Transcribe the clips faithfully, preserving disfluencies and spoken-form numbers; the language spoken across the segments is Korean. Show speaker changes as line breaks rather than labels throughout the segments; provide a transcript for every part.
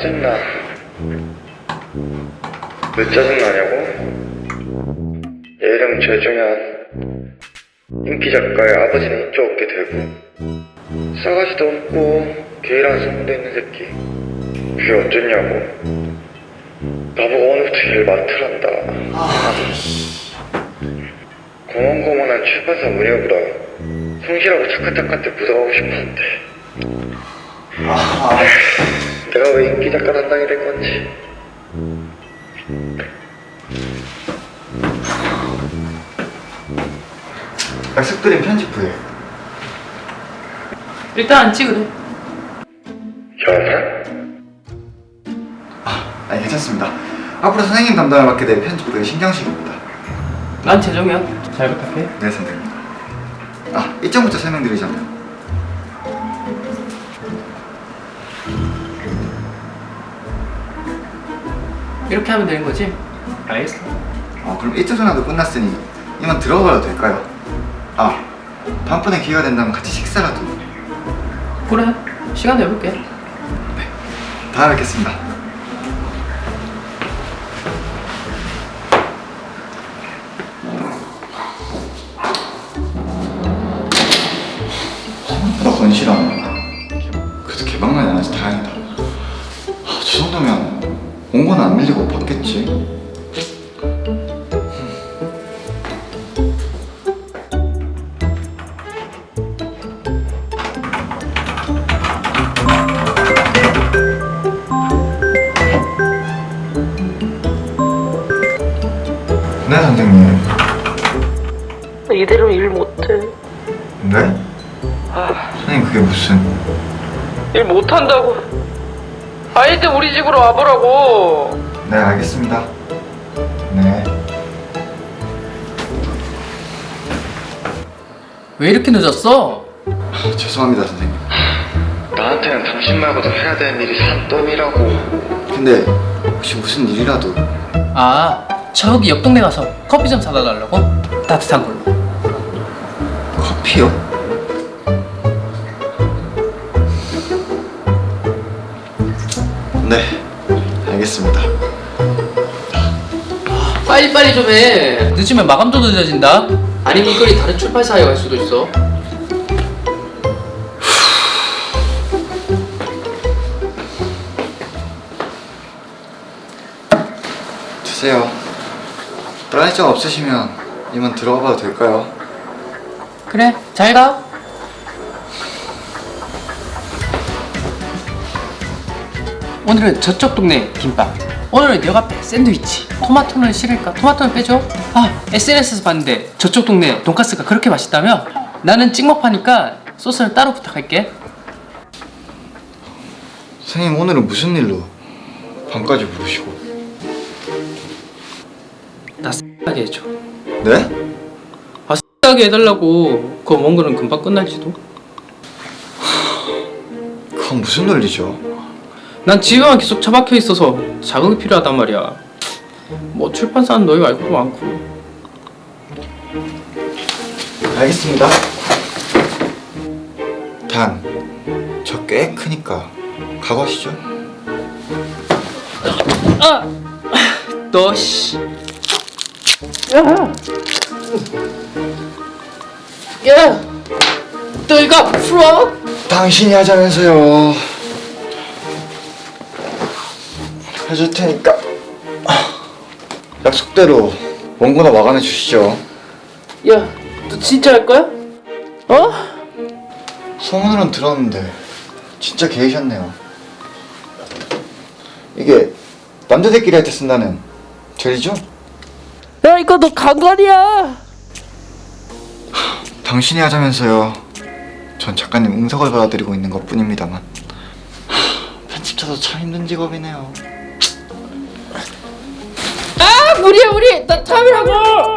짜증나. 왜 짜증나냐고? 얘 이름 최중현. 인기 작가의 아버지는 인기 없게 되고 싸가지도 없고 게이라는 소문도 있는 새끼. 그게 어쩌냐고. 나보고 오늘부터 일 맡으란다. 고만고만한 출판사 문혁보다 성실하고 착한 작가한테 묻어가고 싶었는데
아...
내가 왜 인기 작가 담당이 된 건지.
약속드린 편집 후에
일단 안 찍으래.
현상?
아, 아니 괜찮습니다. 앞으로 선생님 담당을 맡게 될 편집부의 신경식입니다.
난 재정이야. 잘 부탁해.
네 선생님. 아, 일정부터 설명드리자면
이렇게 하면 되는 거지? 알겠어.
어, 그럼 일정 전화도 끝났으니 이만 들어가봐도 될까요? 아, 다음번에 기회가 된다면 같이 식사라도.
그래. 시간 내볼게.
네, 다음에 뵙겠습니다. 생각보다 건실하네. 그래도 개방만이 안 해서 다행이다. 아, 저 정도면 원고는 안 밀리고 받겠지. 네 선생님.
이대로 일 못해.
네?
아,
선생님 그게 무슨...
일 못한다고. 아이들 우리 집으로 와보라고.
네 알겠습니다. 네.
왜 이렇게 늦었어?
아, 죄송합니다 선생님.
나한테는 당신 말고도 해야 되는 일이 산더미라고.
근데 혹시 무슨 일이라도...
아, 저기 옆 동네 가서 커피 좀 사다 달라고? 따뜻한 걸로.
커피요? 네 알겠습니다.
빨리빨리 좀 해. 늦으면 마감도 늦어진다. 아니면 이거리 다른 출판사에 갈 수도 있어.
주세요. 다른 일정 없으시면 이만 들어가 봐도 될까요?
그래, 잘 가. 오늘은 저쪽 동네 김밥, 오늘은 역 앞에 샌드위치. 토마토는 싫을까? 토마토는 빼줘. 아, 에스엔에스에서 봤는데 저쪽 동네 돈가스가 그렇게 맛있다며? 나는 찍먹파니까 소스는 따로 부탁할게.
선생님 오늘은 무슨 일로 밤까지 부르시고...
나 X하게 해줘.
네?
아, X하게 해달라고. 그거 먼 거는 금방 끝날지도.
그건 무슨 논리죠?
난 집에만 계속 처박혀 있어서 자극이 필요하단 말이야. 뭐 출판사는 너희 말고도 많고.
알겠습니다. 단, 저 꽤 크니까 각오하시죠?
아! 너 씨. 야! 야! 너 이거 풀어?
당신이 하자면서요. 해줄 테니까 약속대로 원고나 마감해 주시죠.
야, 너 진짜 할 거야? 어?
소문으론 들었는데 진짜 게이셨네요. 이게 남자들끼리 할 때 쓴다는 절이죠?
야, 이거 너 강간이야.
당신이 하자면서요. 전 작가님 응석을 받아들이고 있는 것 뿐입니다만. 편집자도 참 힘든 직업이네요.
아, 무리야 무리. 나 참이라고.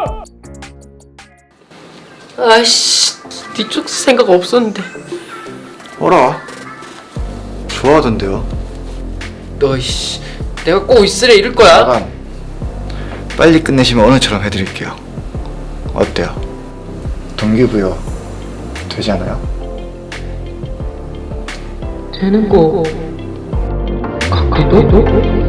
아이씨, 뒤쪽 생각 없었는데.
어라? 좋아하던데요.
너 씨, 내가 꼭 있으래 이럴 거야.
마감 빨리 끝내시면 오늘처럼 해드릴게요. 어때요? 동기부여 되지 않아요?
되는 거 구독